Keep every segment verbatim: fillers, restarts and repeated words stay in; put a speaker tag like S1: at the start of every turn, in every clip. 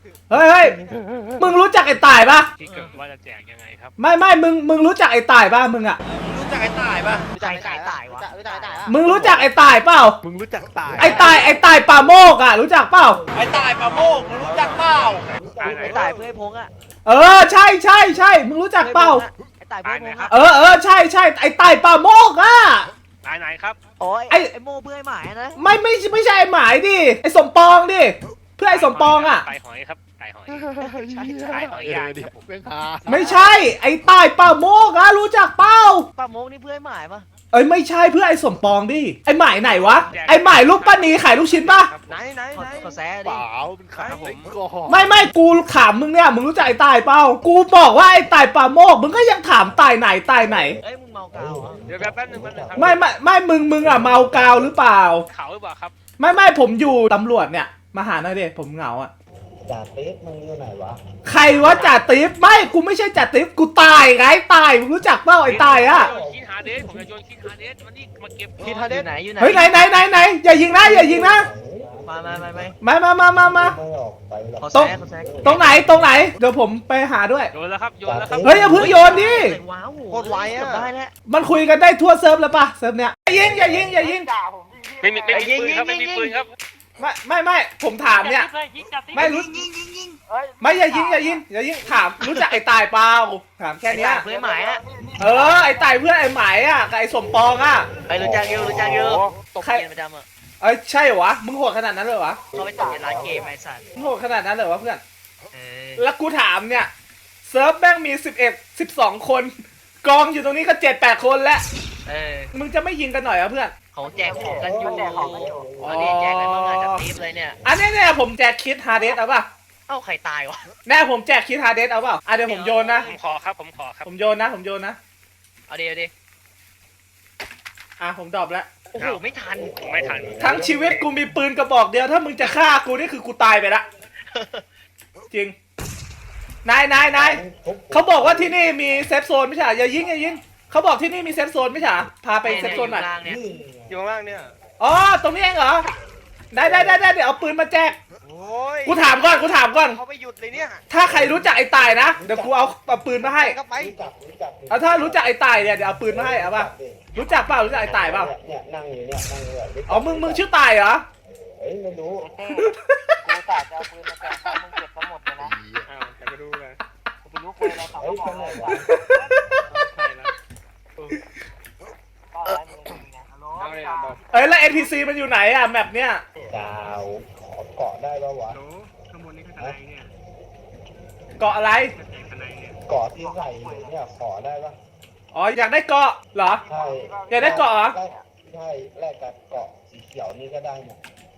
S1: เฮ้ยเฮ้ยมึงรู้จักไอ้ตายปะ
S2: ที่เกิดว่าจะแจกยังไงครับ
S1: ไม่ไม่มึงมึงรู้จักไอ้ตายปะมึงอะ
S3: รู้จักไอ้ตายปะ
S4: รู้จักไอ้ตายวะรู้จักไอ้ตายวะ
S1: มึงรู้จักไอ้ตายเปล่า
S5: มึงรู้จักตาย
S1: ไอ้ตายไอ้ตายป่าโมกอะรู้จักเปล่า
S3: ไอ้ตายปะโมกมึงรู้จักเปล่า
S2: ตายไหน
S4: ไอ้ตายเพื่อให้พงอะ
S1: เออใช่ใช่ใช่มึงรู้จักเปล่า
S4: ไอ้ตายเพื่อให้พงอะ
S1: เออเออใช่ใช่ไอ้ตายป่าโมกอะ
S2: ตายไหนครับ
S4: โอ้ย
S1: ไอ้
S4: ไอ้โม่เพื่อให้หมายนะ
S1: ไม่ไม่ไม่ใช่ไอ้หมายดิไอ้สมปองดิเพื่อไอ้สมปองอะ
S2: ตายหอยครับตายหอย
S5: ใช่
S2: ตายหอยยาก
S5: เดี๋
S2: ค
S5: ย
S2: รับผม
S5: วเป็นหา
S1: ไม่ใช่ไอ้ตายป่าโมกอะรู้จักเปล่า
S4: ป้าโมกนี่เพื่อให้หมายปะ
S1: เอ้ยไม่ใช่เพื่อไอ้สมปองดิไอ้หมายไหนวะไอ้หมายลูกป้านีขายลูกชิ้นปะ
S2: ครับผม
S3: ไหนไหน
S4: ขอ
S3: ไหน
S4: ขอแซ่
S5: เป
S4: ดิ
S5: ล่าเป็นขายผมก่อน
S1: ไม่ไม่กูถามมึงเนี่ยมึงรู้จักไอ้ตายเปล่ากูบอกว่าไอ้ตายป่าโมกมึงก็ยังถามตายไหนตายไหน
S4: เอ้ยมึงเมากาวเหรอ
S2: เดี๋ยวแป๊บนึงแป๊บนึงครับ
S1: ไม่ไม่ไม่มึงมึงอะเมากาวหรือเปล่า
S2: เขาหรือเปล่าครับ
S1: ไม่ไม่ผมอยู่ตำรวจเนี่ยมาหาหน่อยดิผมเหงาอะ
S6: จ่าเต๊กมึงอยู่ไหนวะ
S1: ใครวะจ่าติ๊บไม่กูไม่ใช่จ่าติ๊บกูตายไงตายมึงรู้จักเปล่าไอ้ตายอะ
S2: โยนคิดหาเดสผมจะโยนคิดหาเดสมันนี่มาเก็บ
S4: คิดทันอยู่ไหนอยู่ไหน
S1: เฮ้ยไหนไหนไหนไหนอย่ายิงนะอย่ายิงนะ
S4: มามามามา
S1: มามามามามา
S6: ไม่ออกไปหรอก
S4: ขอแซ่ขอแซ่
S1: ตรงไหนตรงไหนเดี๋ยวผมไปหาด้วย
S2: โยนแล้วครับโยนแล้วครับ
S1: เฮ้ยอย่าเพิ่งโยนดิ
S4: ว้าว
S3: โคตรไวอะ
S4: ได้แล้ว
S1: มันคุยกันได้ทั่วเซิร์ฟแล้วปะเซิร์ฟเนี้ยอย่ายิงอย่ายิงอย่ายิง
S2: ไม่มีไม่มีปืนครับไม่มีปืนครับ
S1: ไม่ไม่ไม่ผมถามเนี่ยไม่รู้ไม่อย่ายิงอย่ายิงอย่ายิงถามรู้จักไอ้ตายเปล่าถามแค่
S4: ไอ้
S1: เนี้ย
S4: ตายเพื่อให้หมายอะ
S1: เออไอ้ตายเพื่อนไอ้หมายอ่ะกับไอ้สมปองอ่ะ
S4: ไปรู้จักอยู่รู้จักอยู่ตบ
S1: ใคร
S4: เกมประจำอะ
S1: เอ้ยใช่เหรอวะมึงโหดขนาดนั้นเลยเหรอวะ
S4: เขาไปตบในร้านเกมไอ้สัตว์
S1: มึงโหดขนาดนั้นเลยเหรอวะเพื่อน
S4: เออ
S1: แล้วกูถามเนี่ยเซิร์ฟแม่งมีสิบเอ็ดสิบสองคนกองอยู่ตรงนี้ก็เจ็ดแปดคนแล้ว
S4: เออ
S1: มึงจะไม่ยิงกันหน่อยเหรอเพื่อน
S4: เขาแจกของกันอยู่อันนี้แจกอะไรบ้างอะจากทีมเลยเนี่ย
S1: อันนี้เนี่ยผมแจกคิดฮาร์ดเดสเอาป่ะ
S4: เอ้าใครตายวะ
S1: แน่ผมแจกคิดฮาร์ดเดสเอาเปล่าอ่ะเดี๋ยวผมโยนนะ
S2: ผมขอครับผมขอครับ
S1: ผมโยนนะผมโยนนะ
S4: เอาดิเอาดิ
S1: อ่ะผมดรอปแล้ว
S4: โอ้โหไม่ทัน
S2: ผมไม่ทัน
S1: ทั้งชีวิตกูมีปืนกระบอกเดียวถ้ามึงจะฆ่ากูนี่คือกูตายไปละจริงนายนายนายเขาบอกว่าที่นี่มีเซฟโซนไม่ใช่เหรออย่ายิงอย่ายิงเขาบอกที่นี่มีเซฟโซนไม่ใช่เหรอพาไปเซฟโซนหน่อย
S4: ล่างเนี่ย
S6: นี่
S3: อยู่ข้างล่างเนี่ย
S1: อ๋อตรงนี้เองเหรอได้ได้ได้ได้เดี๋ยวเอาปืนมาแจก
S3: โอ้ย
S1: กูถามก่อนกูถามก่อน
S3: เขาไม่หยุดเลยเนี่ย
S1: ถ้าใครรู้จักไอ้ตายนะเดี๋ยวกูเอาเอาปืนมาให้
S3: ก็ไป
S6: รู้จักรู้จัก
S1: เอาถ้ารู้จักไอ้ตายเนี่ยเดี๋ยวเอาปืนมาให้เอาป่ะรู้จักเปล่ารู้จักไอ้ตายเปล่า
S6: เนี่ยนั่งอยู่เนี่ยนั่งอยู่เนี่ย
S1: อ๋อมึงมึงชื่อตายเหรอ
S6: เฮ้ยไม่รู้
S4: กูตาจะเอาปืนมาแจกมึงเก็บทั้งหมดเลยนะ
S2: อ้าวแต่ก็ดูเลย
S4: กูไปรู้คุยอะไรสอง
S6: เฮ้ย
S4: ก
S6: ไป
S4: ระ
S6: ไหน
S4: บอก
S6: วะ
S2: ใช่แล้ว
S4: ก็อะไรมึงไงฮัลโหล
S2: เอาเลยอ่ะบอก
S1: เอ้ยแล้ว เอ็น พี ซี มันอยู่ไหนอะแมปเนี้ย
S6: ดาวขอเกาะได้ปะวะ
S2: โหข้างบนนี่คืออะไรเนี่ย
S1: เกาะอะไร
S2: แจกอะไรเนี่ย
S6: เกาะที่ใส่เนี่ยขอได้ปะ
S1: อ๋ออยากได้เกาะเหรอ
S6: ใช่
S1: อยากได้เกาะเหรอ
S6: แลกใช่แลกกับเกาะสีเขียวนี่ก็ได้เนี่ย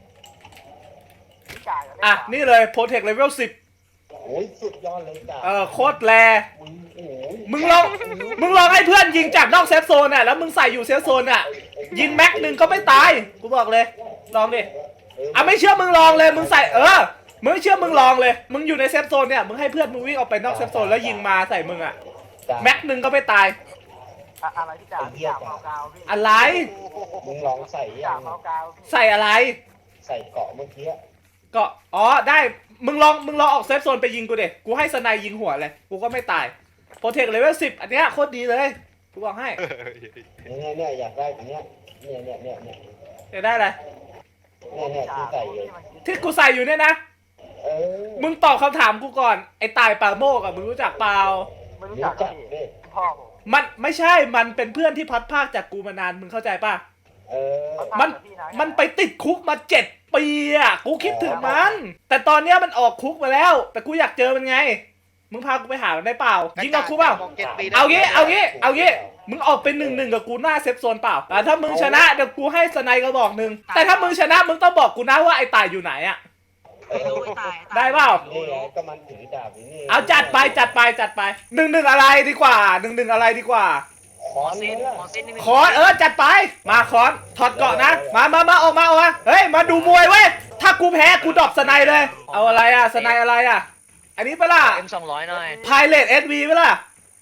S1: อ่ะนี่เลยโปรเทคเลเวลสิบ
S6: โอ้ยสุดยอดเลยจ้ะ
S1: เออโคตรแร
S6: มึงโอ้ย
S1: มึงลองมึงลองให้เพื่อนยิงจากนอกเซฟโซนน่ะแล้วมึงใส่อยู่เซฟโซนน่ะยิงแม็กหนึ่งก็ไม่ตายกูบอกเลยลองดิอ่ะไม่เชื่อมึงลองเลยมึงใส่เออมึงไม่เชื่อมึงลองเลยมึงอยู่ในเซฟโซนเนี่ยมึงให้เพื่อนมึงวิ่งออกไปนอกเซฟโซนแล้วยิงมาใส่มึงอ่ะ
S6: จ้ะ
S1: แม็กหนึ่งก็ไม่ตาย
S4: อะไรที่จ่าจ่าเมากาวพี่
S1: อะไร
S6: มึงลองใส่ยั
S4: จ่าง เมากาว
S1: ใส่อะไร
S6: ใส่เกาะเมื่อกี้
S1: ก็อ๋อได้มึงลองมึงลองออกเซฟโซนไปยิงกูเด็กูให้สไนยิงหัวเลยกูก็ไม่ตายโปรเทคเลเวลสิบอันเนี้ยโคตรดีเลยกูบอกให้
S6: เนี่ยเนี่ยอยากได้อันเนี้ยเนี่ยเนี่ยเนี่ยเนี่ย
S1: จะได้อะไร
S6: เนี่ยเนี่ยที่ใส่อยู่
S1: ที่กูใส่อยู่เนี่ยนะ
S6: เออ
S1: มึงตอบคำถามกูก่อนไอ้ตายปาโมกอะมึงรู้จักเปล่า
S4: ไม่รู้
S6: รู้
S4: จัก
S6: จักดิ
S4: พ่อผม
S1: มันไม่ใช่มันเป็นเพื่อนที่พัดภาคจากกูมานานมึงเข้าใจป่ะ
S6: เออ
S1: มันมันไปติดคุกมาเจ็ดปีอะกูคิดถึงมัน แต่ตอนเนี้ยมันออกคุกมาแล้ว แต่กูอยากเจอมันไงมึงพากูไปหามันได้เปล่ายิงกับกูเปล่า
S3: บอกจ็ดปีได้
S1: เอางี้เอางี้เอางี้มึงออกเป็นหนึ่งหนึ่งกับกูหน้าเซฟโซนเปล่าแต่ถ้ามึงชนะเดี๋ยวกูให้สไนกระบอกหนึ่งแต่ถ้ามึงชนะมึงต้องบอกกูนะว่าไอ้ตายอยู่ไหนอะ
S4: ไม่รู้ไอ้ตาย
S1: ได้เปล่า
S6: นี่ไงก็มันถือดาบอยู่นี่
S1: เอาจัดไปจัดไปจัดไปหนึ่งหนึ่งอะไรดีกว่าหนึ่งหนึ่งอะไรดีกว่า
S6: ขอ
S4: เส้
S6: นี่
S4: น
S6: ละ
S4: ขอเส้นนี่
S1: คอนเออจัดไปมาคอนถอดเกาะนะมามามาออกมาออกมาเฮ้ยมาดูมวยเว้ยถ้ากูแพ้กูดรอปสไนเลย เอาอะไรอะสไนอะไรอะอันนี้ปะล่ะ
S4: เอ็มสองร้อยหน่อย
S1: พายเลตเอสวีปะล่ะ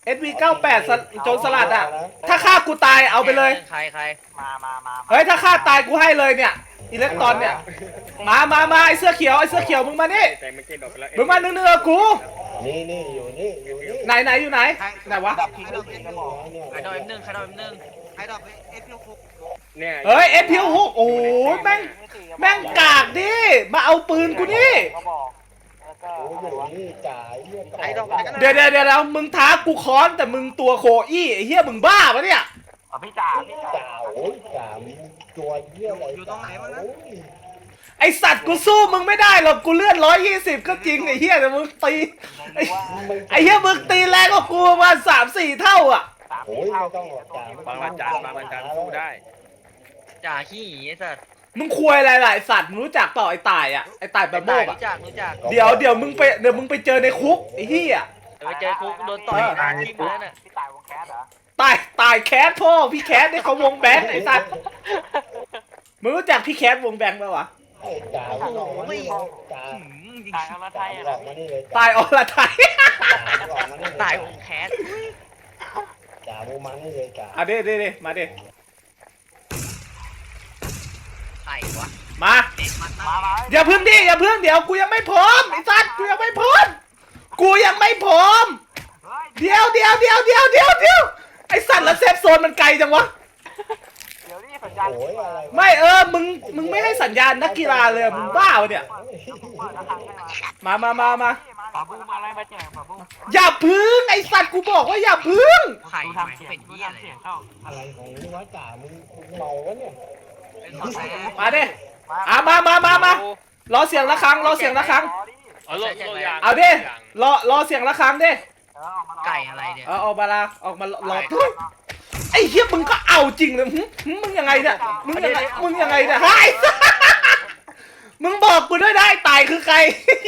S1: เอสวีเก้าแปดโจรสลัดอ่ะถ้าฆ่ากูตายเอาไปเลย
S4: ใครใครมามามา
S1: เฮ้ยถ้าฆ่าตายกูให้เลยเนี่ยอิเล็กตรอนเนี่ยมามามาไอเสื้อเขียวไอเสื้อเขียวมึงมานี่
S2: แต่ไม่ใช่ดอกไปแล้ว
S1: มึงมาเนื้อๆกู
S6: นี่นี่อยู่นี่อยู่นี่
S1: ไหนไหนอยู่ไหนไหนวะ
S6: ใครดอกเอ็ม
S4: ใครดอกเอ็มหนึ่งใครดอกเอ็มหนึ่ง
S3: ใครดอกเอฟพีหก
S2: เนี่ย
S1: เฮ้ยเอฟพิวหกโอ้ยแม่งแม่งกากดิมาเอาปืนกูนี่
S4: เขาบอกแล้วก็
S6: โอ้ยอยู่นี่จ่ายเยี่ยม
S3: ใครดอก
S1: เดี๋ยวเดี๋ยวเดี๋ยวมึงท้ากูค้อนแต่มึงตัวโคอี้ไอ้เหี้ยมึงบ้าปะเนี่ย
S4: อ๋อพี่จ่าพี่จ่า
S6: จ่าโอ้ยจ่ามีตัวเยี่ยมอะไรอยู่ตรงไหนวะนะ
S1: ไอสัตว์กูสู้มึงไม่ได้หรอกกูเลื่อนร้อยยี่สิบก็จริงไอ้เหี้ยแต่มึงตีไอ้ไอ้เหี้ยมึงตีแรงกว่ากูประมาณสามสี่เท่าอ่ะ
S6: โอ้ยไม่ต้องหรอกจ่า
S2: บางวันจานบางวันจานสู้ได้
S4: จ่าขี้ไอ้สัตว์
S1: มึงควยอะไรหลายสัตว์มึงรู้จักเปล่าไอ้ตายอ่ะไอ้ตายแบบโบก
S4: รู้
S1: อ่ะ
S4: จักรู้จัก
S1: เดี๋ยวเดี๋ยวมึงไปเดี๋ยวมึงไปเจอในคุกไอ้เหี้ย
S4: ไปเจอคุกโดนต่อยตายที่มือน่ะพี่ตายวงแคสเหรอ
S1: ตายตายแคสพ่อพี่แคสได้เขาวงแบงค์ไอ้สัตว์มึงรู้จักพี่แคสวงแบงค์ป่าวะ
S6: ไอ้จ่าไม่ต้องมานี่จ่า
S4: ตายเอาละไทย
S6: หล
S4: อ่ะ
S6: อกมานี่เลย
S1: ตายอรไทย
S6: หลอกมานี่เลย
S4: ตายวงแคส
S6: จ่ามูมันนี่เลยจ่า
S1: อ่ะเด้เด้เด้มาเด้
S4: ใครวะ
S1: มา
S4: เด็กมันมามา
S1: อย่าพึ่งดิอย่าพึ่งเดี๋ยวกูยังไม่พร้อมไอ้สัตว์กูยังไม่พร้อมกูยังไม่พร้อมเดี๋ยวเดี๋ยวเดี๋ยวเดี๋ยวเดี๋ยวเดี๋ยวไอ้สัตว์แล้วเซฟโซนมันไกลจังวะ
S4: เดี๋ยวนี่สัญญาณ
S6: โอ้ยอะไร
S1: ไม่เออมึงมึงไม่ให้สัญญาณนักกีฬาเลยมึงบ้าวะเนี่ยมามามามา
S4: ปาบูมาอะไรมาแจกปาบู
S1: อย่าพึ่งไอ้สัตว์กูบอกว่าอย่าพึ่ง
S4: ไข่ทำเป็นเหี้ยอะไร
S6: อะไรของนี่วะจ่ามึงเมาวะเนี่ย
S4: เป็นของแท้
S1: มาเด้อ่ะมามามามารอเสียงระฆังรอเสียงระฆัง
S2: เอาโลดโลดยาง
S1: เอาดิรอรอเสียงระฆังดิ
S4: ไก่อะไรเนี่ย
S1: เอาออกมาละออกมารอไอ้เหี้ยมึงก็เอาจริงเลยหึหึมึงยังไงเนี่ยมึงยังไงมึงยังไงเนี่ยไอ้มึงบอกกูด้วยได้ตายคือใคร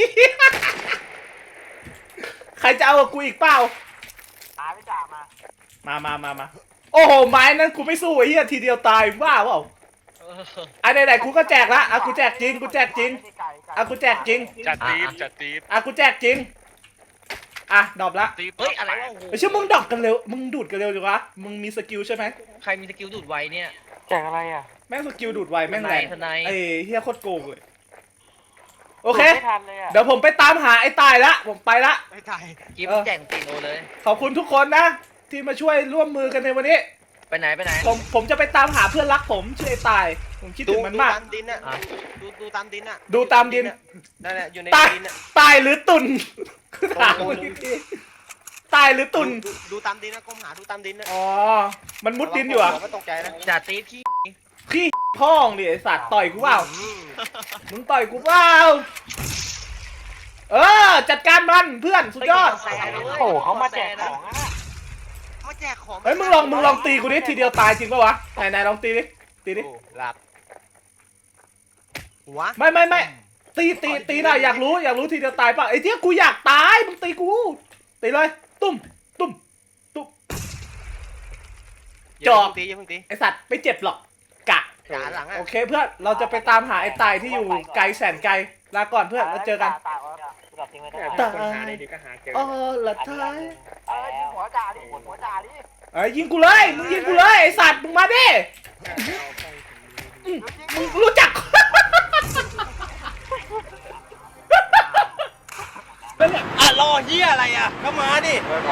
S1: ใครจะเอากับกูอีกเปล่า
S4: ตายไม่จ่ามา
S1: มามามามาโอ้โหไม้นั้นกูไม่สู้ไอ้เหี้ยทีเดียวตายบ้าเปล่าอ่ะไหนๆกูก็แจกละอ่ะกูแจกจริงกูแจกจริงอ่ะกูแจกจริง
S2: จัดตีฟจัดตีฟ
S1: อ่ะกูแจกจริงอ่ะดรอปละ
S4: เฮ้ยอะไรวะโอ้โห
S1: ไม่ใช่มึงดรอปกันเร็วมึงดูดกันเร็วจังวะมึงมีสกิลใช่ไหม
S4: ใครมีสกิลดูดไวเนี่ยแจกอะไรอ่ะ
S1: แม่งสกิลดูดไวแม่งแรง
S4: ทนาย
S1: ไอ้เฮียโคตรโกงเลยโอเค
S4: ไม่ทันเลยอ่ะ
S1: เดี๋ยวผมไปตามหาไอ้ตายละผมไปละ
S3: ไม่ถ่าย
S4: กิฟแจกตีโอเลย
S1: ขอบคุณทุกคนนะ ที่มาช่วยร่วมมือกันในวันนี้
S4: ไปไหนไปไหน
S1: ผมผมจะไปตามหาเพื่อนรักผมชื่อไอ้ตาย ผมคิด
S3: ดู
S1: ถึงมัน
S3: ดู
S1: มาก
S3: ตามดินน่ะดูดูตามดินน่ะ
S1: ดูตามดิน
S3: นั่นแหละอยู่ใน
S1: ตาย
S3: ดินน่ะ
S1: ตายหรือตุนคือถามมึงอีกทีตายหรือตุน
S3: ดูดูตามดินนะก้มหาดูตามดินนะ
S1: อ๋อมันมุดดินอยู่อ่ะ
S3: ไม่ตกใจนะ
S4: จ่าตีที่
S1: ขี้พ่องดิไอ้สัตว์ต่อยกูเปล่ามึงต่อยกูเปล่าเออจัดการมันเพื่อนสุดยอด
S4: โอ้เขามาแจกของอ่ะ
S3: มาแจกของ
S1: เฮ้ยมึงลองมึงลองตีกูดิทีเดียวตายจริงปะวะไหนไหนลองตีดิตีดิ
S3: โอ้หลับหัว
S1: ไม่ไม่ไม่ตีตีตีหน่อยอยากรู้อยากรู้ทีเดียวตายป่ะไอ้เที่ยกูอยากตายมึงตีกูตีเลยตุ้มตุ้มตุ้ม
S3: อย่าเพิ่งตีอย่าเพิ่งตี
S1: ไอสัตว์ไม่เจ็บหรอกกะ
S3: จ่าหลังอ่ะ
S1: โอเคเพื่อนเราจะไปตามหาไอ้ตายที่อยู่ไกลแสนไกลลาก่อนเพื่อนแล้วเจอกัน
S2: เนี่ยคนหาได้ดีก็หาเจอ
S1: อ๋อละท้าย
S4: เออยิงหัวจ่าดิหัวจ่าดิ
S1: เอ้ยยิงกูเลยมึงยิงกูเลยไอสัตว์มึงมาดิ
S2: เอาไป
S1: อืมมึงรู้จัก
S3: อ่ะรอเฮียอะไรอ่ะก็มาดิ